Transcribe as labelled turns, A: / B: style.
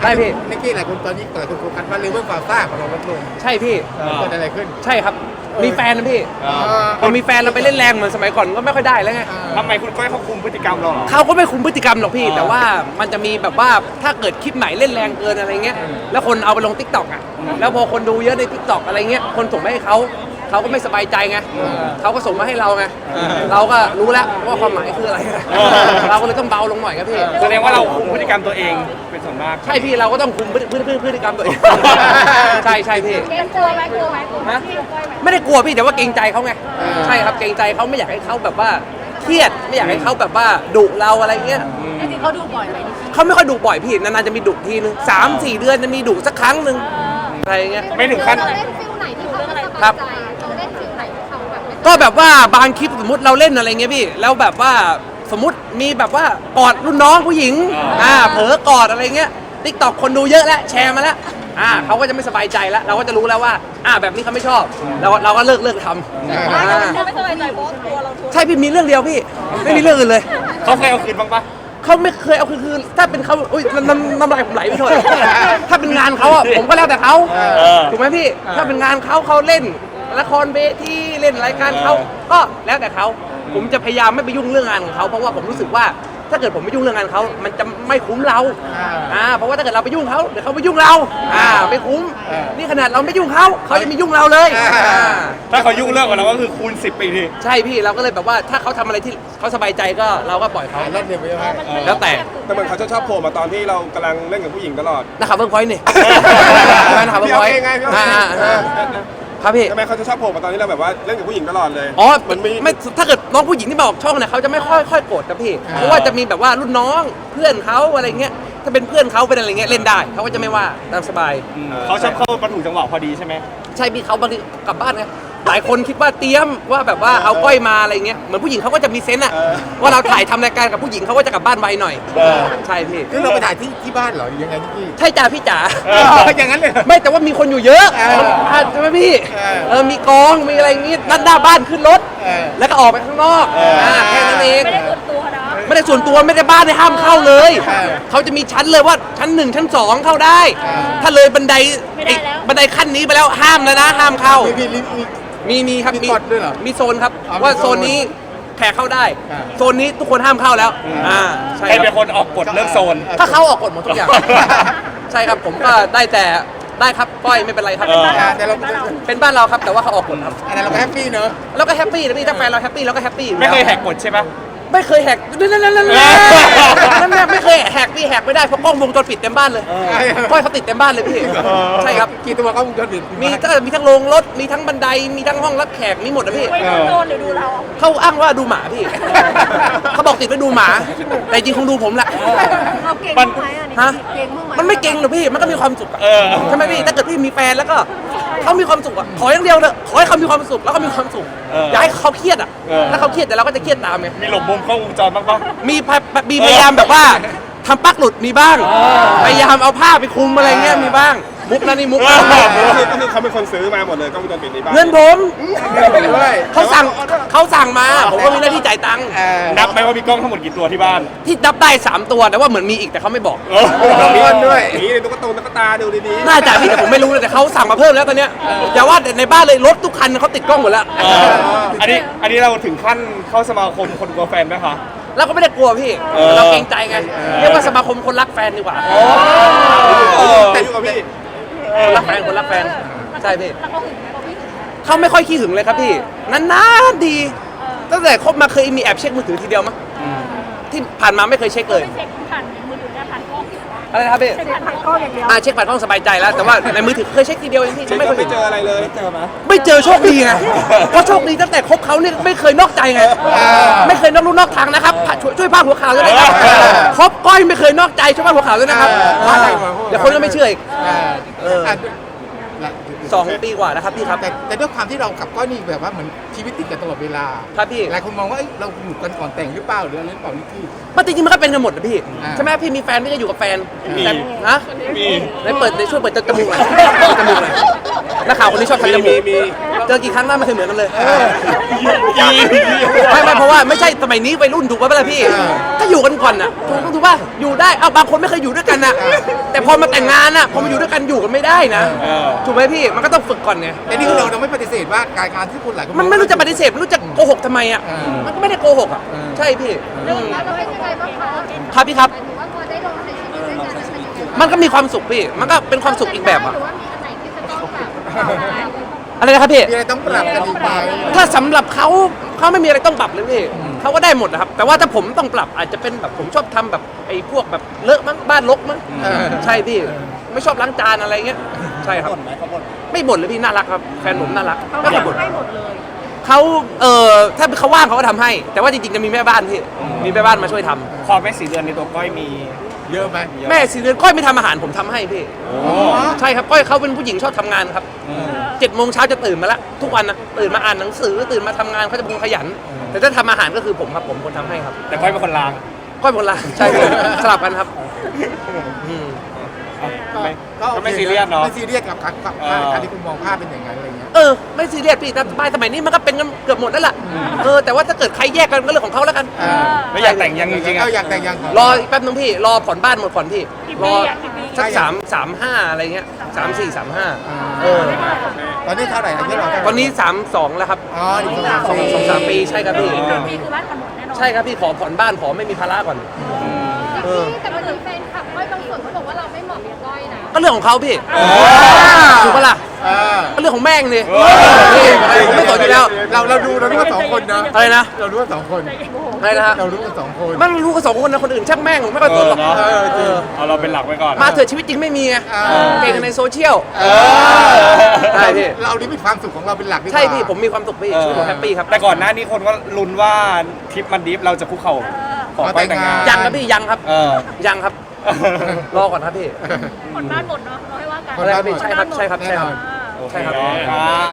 A: ช่พี่
B: นิกกี้หลายคนตอนนี้หลายคนโฟกัสว่าเรื่องความซ่าของเราลดลง
A: ใช่พี่
B: เกิดอะไรขึ้น
A: ใช่ครับมีแฟนนะพี่พอมีแฟนเราไปเล่นแรงเหมือนสมัยก่อนก็ไม่ค่อยได้แล้วไง
C: ทำไมคุณก้อยเขาคุมพฤติกรรมเราหรอ
A: เขาก็ไม่คุมพฤติกรรมหรอกพี่แต่ว่ามันจะมีแบบว่าถ้าเกิดคลิปไหนเล่นแรงเกินอะไรเงี้ยแล้วคนเอาไปลง TikTok อ่ะแล้วพอคนดูเยอะใน TikTok อะไรเงี้ยคนส่งมาให้เขาก็ไม่สบายใจไงเขาก็ส่งมาให้เราไงเราก็รู้แล้วว่าความหมายคืออะไรเราก็เลยต้องเบาลงหน่อยครับพี่
C: แสดงว่าเราคุมพฤติกรรมตัวเองเป็นส่วนมาก
A: ใช่พี่เราก็ต้องคุมพฤติกรรมตัวเองใช่พี่
D: กลัวไหมฮะ
A: ไม่ได้กลัวพี่แต่ว่าเกรงใจเขาไงใช่ครับเกรงใจเขาไม่อยากให้เขาแบบว่าเครียดไม่อยากให้เขาแบบว่าดุเราอะไรเงี้ย
D: จริงๆเขาดูบ่อยไหม
A: เขาไม่ค่อยดุบ่อยพี่นานๆจะมีดุทีนึง3-4 เดือนจะมีดุสักครั้งนึงอะไรเงี้ย
C: ไม่ถึงขั้น
D: เราเล่นฟิลไหนที่เขาไม่สบายใจเราเล่นฟิลไหนที่เขาแบบ
A: ก็แบบว่าบางคลิปสมมติเราเล่นอะไรเงี้ยพี่แล้วแบบว่าสมมติมีแบบว่ากอดรุ่นน้องผู้หญิงเผลอกอดอะไรเงี้ย TikTok คนดูเยอะแล้วแชร์มาแล้วเขาก็จะไม่สบายใจแล้วเราก็จะรู้แล้วว่าแบบนี้เขาไม่ชอบเราก็เลิกทำ
D: เขาไม่สบายใจเพราะตัวเรา
A: ใช่พี่มีเรื่องเดียวพี่ไม่มีเรื่องอื่นเลย
C: เขาเคยเอาคืนบ้างปะ
A: เขาไม่เคยเอาคือถ้าเป็นเขาอุ้ยน้ำลายผมไหลไปหมดถ้าเป็นงานเขาผมก็แล้วแต่เขาถูกไหมพี่ถ้าเป็นงานเขาเล่นละครเวทีเล่นรายการเขาก็แล้วแต่เขาผมจะพยายามไม่ไปยุ่งเรื่องงานของเขาเพราะว่าผมรู้สึกว่าถ้าเกิดผมไม่ยุ่งเรื่องงานเขามันจะไม่คุ้มเราเพราะว่าถ้าเกิดเราไปยุ่งเขาเดี๋ยวเขาไปยุ่งเราไม่คุ้มนี่ขนาดเราไม่ยุ่งเขาจะมียุ่งเราเลย
C: ถ้าเขายุ่งเรื่องกับเราก็คือคูณ10 ปีที
A: ใช่พี่เราก็เลยแบบว่าถ้าเขาทำอะไรที่เขาสบายใจก็เราก็ปล่อยเขา
B: เล่นเดียวไป
A: แล้วแต่
E: เหมือนเขาจะชอบโผล่มาตอนที่เรากำลังเล่นกับผู้หญิงตลอด
A: นะครับเพิ่งพอยต์นี่นะครับเพิ่งพอยต์ครับพี่
E: ทำไมเขาจะชอบโผล่มาตอนที่เราแบบว่าเล่นกับผู้หญิงตลอดเลย
A: มันไม่ถ้าเกิดน้องผู้หญิงที่มาออกช่องเนี่ยเขาจะไม่ค่อยโกรธนะพี่เพราะว่าจะมีแบบว่ารุ่นน้องเพื่อนเขาอะไรเงี้ยถ้าเป็นเพื่อนเขาเป็นอะไรเงี้ยเล่นได้เขาก็จะไม่ว่าตามสบาย
C: เขาชอบเข้าประถูจังหวะพอดีใช่ไหม
A: ใช่พี่เขาบางทีกลับบ้านไงหลายคนคิดว่าเตรียมว่าแบบว่าเอาก้อยมาอะไรเงี้ยเหมือนผู้หญิงเขาก็จะมีเซนส์อะว่าเราถ่ายทำรายการกับผู้หญิงเขาก็จะกลับบ้านไวหน่อยใช่พี่
B: คือเราไปถ่ายที่บ้านเหรอยังไงนิกกี้
A: ใช่จ้าพี่จ๋า
B: อย่างนั้นเลย
A: ไม่แต่ว่ามีคนอยู่เยอะใช่ไหมพี่มีกองมีอะไรอย่างงี้นั่นหน้าบ้านขึ้นรถแล้วก็ออกไปข้างนอกแค่นั้นเองไม่ได้ส่วนตัวไม่ได้บ้านห้ามเข้าเลยเขาจะมีชั้นเลยว่าชั้น1ชั้น2เข้าได้ถ้าเลยบันไดขั้นนี้ไปแล้วห้ามแล้วนะห้ามเข้ามีครับมีโซนครับว่าโซนนี้แขกเข้าได้โซนนี้ทุกคนห้ามเข้าแล้ว
C: ใช่เป็นคนออกกฎเรื่องโซน
A: ถ้าเขาออกกฎหมดทุกอย่างใช่ครับผมก็ได้แต่ได้ครับก้อยไม่เป็นไรครับ
B: แต่เรา
A: เป็นบ้านเราครับแต่ว่าเขาออกกฎครับ
B: แต่เราแฮปปี้เนอะ
A: เราก็แฮปปี้นะพี่ถ้าแฟนเราแฮปปี้เราก็แฮปปี้
C: ไม่เคยแหกกฎใช่ปะ
A: ไม่เคยแหกนั่นไม่เคยแหกพี่แหกไม่ได้เพราะกล้องวงจรปิดเต็มบ้านเลยก้อยเขาติดเต็มบ้านเลยพี่ใช่ครับ
B: กี่ตัวกล้องวงจรปิด
A: มีทั้งโรงรถมีทั้งบันไดมีทั้งห้องรับแขกมีหมดนะพี่
D: โดนหรือดูเรา
A: เขาอ้างว่าดูหมาพี่เขาบอกติดไปดูหมาแต่จริงคงดูผมแหละ
D: เราเก่งไหม
A: ฮะมันไม่เก่งหรอกพี่มันก็มีความสุขใช่ไหมพี่ถ้าเกิดพี่มีแฟนแล้วก็เขามีความสุขอ่ะขออย่างเดียวเลยขอให้เขามีความสุขแล้วก็มีความสุขอย่าให้เขาเครียดอ่ะถ้าเขาเครียดแต่เราก็จะเครียดตามไง
C: มีหลบมุมกล้องวงจรบ้างปะ
A: มีพยายามแบบว่าทำปลั๊กหลุดมีบ้างพยายามเอาผ้าไปคลุมอะไรเงี้ยมีบ้างมุกนะนี่มุก
E: ก็คือเขาเป็นคนซื้อมาหมดเลยกล้องวงจรปิดในบ้าน
A: เงินผมเขาสั่งมาผมก็มีหน้าที่จ่ายตังค์
C: นับไหมว่ามีกล้องทั้งหมดกี่ตัวที่บ้าน
A: ที่นับได้3 ตัวแต่ว่าเหมือนมีอีกแต่เขาไม่บอก
B: มีด้วย
E: นี่ตุ๊กตาดูดี
A: ๆน่าจะพี่แต่ผมไม่รู้เลยแต่เขาสั่งมาเพิ่มแล้วตอนเนี้ยอย่าว่าแต่ในบ้านเลยรถทุกคันเขาติดกล้องหมดแล้ว
C: อันนี้เราถึงขั้นเข้าสมาคมคนกลัวแฟนไหมคะ
A: เราก็ไม่ได้กลัวพี่เราเกรงใจไงเรียกว่าสมาคมคนรักแฟนดีกว่า
E: แต่อยู่กับพี่
A: คนรักแฟนใช่พี่เขาไม่ค่อยขี้หึงเลยครับพี่นานๆดีตั้งแต่คบมาเคยมีแอบเช็คมือถือทีเดียวมั้งที่ผ่านมาไม่เคยเช็คเลย
D: ผ่านมือถือผ่านกล้อง
A: อะไรนะครับพี่
D: เช็คผ่านกล้องอย่างเดียว
A: เช็คผ่านกล้องสบายใจแล้วแต่ว่าในมือถือเคยเช็คทีเดียวเองพี่
E: ไม่เจออะไรเลย
A: ไม่เจอโชคดีไงเพราะโชคดีตั้งแต่คบเขาเนี่ยไม่เคยนอกใจไงไม่เคยนอกลู่นอกทางนะครับช่วยพาดหัวข่าวด้วยนะครับคบก้อยไม่เคยนอกใจช่วยพาดหัวข่าวด้วยนะครับเดี๋ยวคนก็ไม่เชื่ออีก2 ปีกว่านะครับพี่ครับ
B: แต่ด้วยความที่เรากับก้อยนี่แบบว่าเหมือนชีวิตติดกันตลอดเวลา
A: ครับพี่
B: หลายคนมองว่าเราอยู่กันก่อนแต่งหรือเปล่าหรืออะไรหรือเปล่านี่พี่
A: มันจริงๆมันก็เป็นกันหมดนะพี่ใช่ไหมพี่มีแฟนพี่จะอยู่กับแฟนแต่ฮะ
C: มี
A: ช่วยเปิดจมูกหน่อยนักข่าวคนนี้ชอบทำจมูกเจอกี่ครั้งหน้าไม่เคยเหมือนกันเลยไม่เพราะว่าไม่ใช่สมัยนี้วัยรุ่นถูกป่ะล่ะพี่ถ้าอยู่กันก่อนน่ะถูกป่ะอยู่ได้เอาบางคนไม่เคยอยู่ด้วยกันน่ะแต่พอมาแต่งงานน่ะพอมาอยู่ด้วยกันอยู่กันไม่ได้นะถูกไหมพี่มันก็ต้องฝึกก่อนไง
B: แต่นี่คือเราไม่ปฏิเสธว่าการที่คุณหลายคน
A: มันไม่รู้จะปฏิเสธไม่รู้จะโกหกทำไมอ่ะมันก็ไม่ได้โกหกอ่ะใช่พี่
D: แล้วเราเป็นยังไงบ้างคะ
A: ครับพี่ครับ
D: หรือว่าพอได้ลงในชีวิตด้วยกันเป็นยังไง
A: มันก็มีความสุขพี่มันก็เป็นความสุขอีกแบบอ่ะ
D: หรือว่ามีอันไหนที่จะต้องแบบ
A: อะไรนะครับพี่
B: มีอะไรต้องปรับกันอีกไหม
A: ถ้าสำหรับเขาไม่มีอะไรต้องปรับเลยพี่เขาก็ได้หมดนะครับแต่ว่าถ้าผมต้องปรับอาจจะเป็นแบบผมชอบทำแบบไอ้พวกแบบเลอะมั้งบ้านรกมั้งใช่พี่ไม่ชอบล้างจานอะไรเงี้ยใช่ครับไม่บ่นเลยพี่น่ารักครับแฟนผมน่ารักไม่เคยบ่นเขาถ้าเขาว่างเขาก็ทำให้ แต่ว่าจริงๆจะมีแม่บ้านพี่มีแม่บ้านมาช่วยทำ
C: ความแม่สีเดือนในตัวก้อยมี
B: เยอะไหม
A: แม่4 เดือนก้อยไม่ทำอาหารผมทำให้พี่ใช่ครับก้อยเขาเป็นผู้หญิงชอบทำงานครับ7 โมงเช้าจะตื่นมาแล้วทุกวันนะตื่นมาอ่านหนังสือตื่นมาทำงานเขาจะเป็นคนขยัน แต่ถ้าทำอาหารก็คือผมครับผมคนทำให้ครับ
C: แต่ก้อยเป็นคนล้าง
A: ก้อยเป็นคนละใช่พี่สลับกันครับอืม
C: ก็ไม่ซีเรียสเนาะ
B: ไม่ซีเรียสกับการที่คุณมองภาพเป็นอย่างนั้นอะไรเงี้ย
A: ไม่ซีเรียสพี่แต่สมัยนี้มันก็เป็นกันเกือบหมดแล้วล่ะแต่ว่าถ้าเกิดใครแยกกันก็เรื่องของเขาแล้วกัน
C: ไม่อยากแต่งยังจริงๆ
B: เอา
C: อะ
B: อยากแต่งยัง
A: รออีกแป๊บนึงพี่รอผ่อนบ้านหมดก่อนพี่รอสัก3-5อะไรเงี้ย3-4-3-5
B: ตอนนี้เท่าไหร่อายุเราเท่าไหร่
A: ตอนนี้3-2แล้วครับ
B: อ๋อนี่
A: 2-3 ปีใช่ครับพี่
D: มีคือบ้านผ่อนหมดแน่นอน
A: ใช่ครับพี่ขอผ่อนบ้านขอไม่มีภาระก่อน
D: แต่มันมีแฟนคลับก้อยบางส่วนเขาบอกว่าเราไม่เหมาะกับก้อยนะ
A: ก็เรื่องของเขาพี่ถูกปะล่ะก็เรื่องของแม่งดิผมไม่สนอยู่แล้ว
B: เราดูกันสองคนนะ
A: อะไรนะ
B: เรารู้กันสองคน
A: อะไรนะฮะ
B: เรารู้กันสองคน
A: มันรู้กัน2 คนนะคนอื่นช่างแม่งผมไม่ค่อยสนหรอก
C: เนาะ
B: จริง
C: เอาเราเป็นหลักไว้ก่อน
A: มาเถอะชีวิตจริงไม่มีไงเก่งในโซเชียล ใช่พี่
B: เรานี่มีความสุขของเราเป็นหลักดีกว่า
A: ใช่พี่ผมมีความสุขพี่ชีวิตผมแฮปปี้ครับ
C: แต่ก่อนหน้านี้คนก็ลุ้นว่าทริปมันดิฟเราจะคุกเข่าขอไปแต่งงาน
A: ยังครับพี่ยังครับ ยังครับ รอก่อนครับพี่
D: ผ่อนบ้านหมดเนาะเราให้ว่ากัน
A: อะไรครับพี่ใช่ครับใช่ครับใช่ครับ
C: โอเค
A: ใช่ครับ
C: ครับ